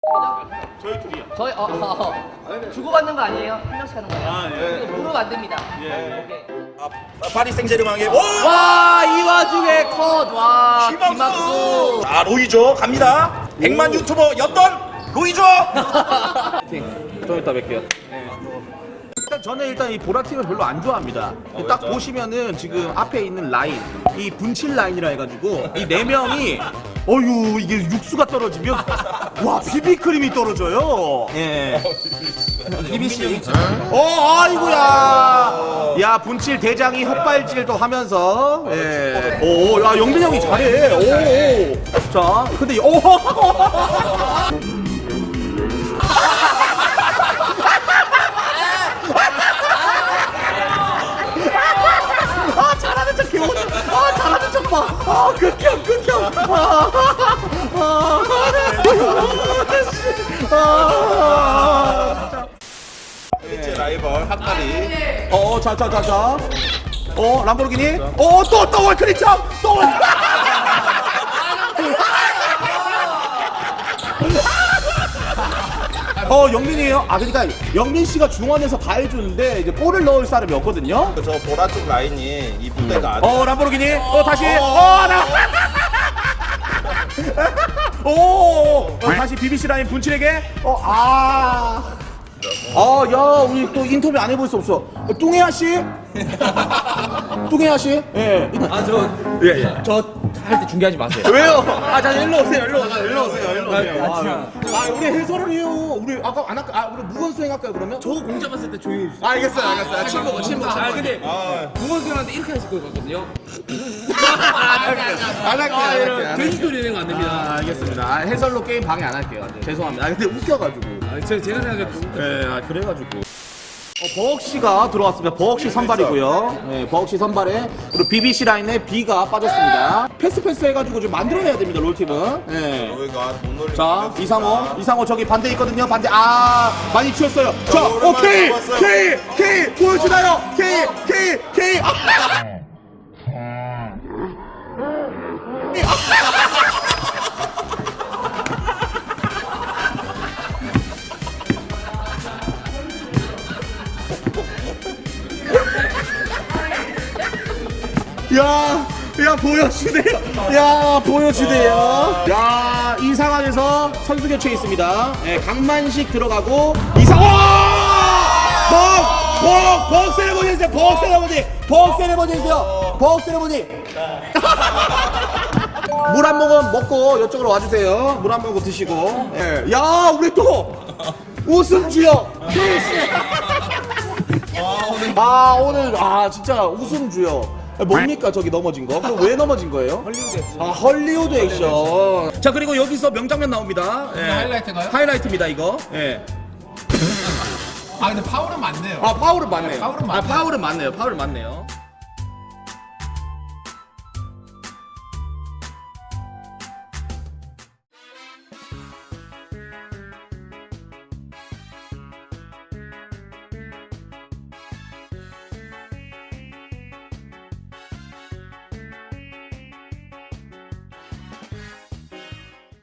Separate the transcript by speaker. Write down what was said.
Speaker 1: 저희 둘이요.
Speaker 2: 저희 주고받는 거 아니에요? 한 명씩 하는 거예요?
Speaker 1: 아, 예.
Speaker 2: 이거 무릎 안 됩니다.
Speaker 1: 예.
Speaker 2: 오케이.
Speaker 3: 파리 생제르맹의
Speaker 2: 와, 이 와중에 컷. 와,
Speaker 3: 김학수.
Speaker 2: 김학수.
Speaker 3: 아 로이조 갑니다. 100만 유튜버였던 로이조.
Speaker 4: 좀 이따 뵐게요. 저는 이 보라팀을 별로 안 좋아합니다. 딱
Speaker 3: 왜죠?
Speaker 4: 보시면은 지금 앞에 있는 라인, 이 분칠 라인이라 해가지고 이 네 명이 어유 이게 육수가 떨어지면 와 비비크림이 떨어져요. 예. 비비씨. 아이고야. 야 분칠 대장이 헛발질도 하면서. 예. 오, 야 영민 형이 잘해. 오. 자, 근데 잘하는 척 개오지. 잘하는 척 봐. 극혐.
Speaker 3: 제 라이벌 핫다리.
Speaker 4: 자. 람보르기니. 또 월크리처. 또 월. 영민이에요. 그러니까 영민 씨가 중원에서 다 해주는데 이제 볼을 넣을 사람이 없거든요.
Speaker 3: 저 보라 쪽 라인이 이 부대가 아주
Speaker 4: 람보르기니. 다시. 다시 BBC 라인 분칠에게. 야, 우리 또 인터뷰 안 해볼 수 없어. 뚱해야 씨? 뚱해야 씨? 예.
Speaker 5: 저 할 때 중계하지 마세요.
Speaker 4: 왜요? 자, 일로 오세요. 우리 해설을 해요. 우리 아까 안 할까? 우리 무건 수행 할까요, 그러면?
Speaker 5: 저 공짜 봤을 때 조용히 해주세요.
Speaker 4: 알겠어요. 친구.
Speaker 5: 근데 무건수영한테 이렇게 하실 거거든요.
Speaker 4: 안 할게요.
Speaker 5: 돼지 소리 내는 거 안 됩니다.
Speaker 4: 알겠습니다. 해설로 게임 방해 안 할게요. 죄송합니다. 근데 웃겨가지고.
Speaker 5: 제가 생각해도
Speaker 4: 네, 그래가지고. 버럭시가 들어왔습니다. 버럭시 선발이고요. 네, 버럭시 선발에 그리고 BBC 라인에 B가 빠졌습니다. 패스 해가지고 좀 만들어내야 됩니다. 롤팀은. 네.
Speaker 3: 로이가 못 놀리고.
Speaker 4: 자, 이상호 저기 반대 있거든요. 반대. 많이 치웠어요. 자,
Speaker 3: 오랜만에
Speaker 4: K
Speaker 3: 잡았어요.
Speaker 4: 보여주나요? K. 야, 보여주네요. 야, 이 상황에서 선수 교체 있습니다. 예, 강만식 들어가고, 벅 세레모니 해주세요. 벅 세레모니. 물 한 모금 먹고 이쪽으로 와주세요. 물 한 모금 드시고. 예. 야, 우리 또 우승주요. 오늘 진짜 우승주요. 뭡니까 저기 넘어진 거? 그럼 왜 넘어진 거예요? 헐리우드 액션. 자, 그리고 여기서 명장면 나옵니다.
Speaker 5: 하이라이트인가요?
Speaker 4: 하이라이트입니다 이거. 예.
Speaker 5: 근데 파울은 맞네요.
Speaker 4: 파울은 맞네요.
Speaker 5: 파울은 맞네요.
Speaker 4: 파울은 맞네요.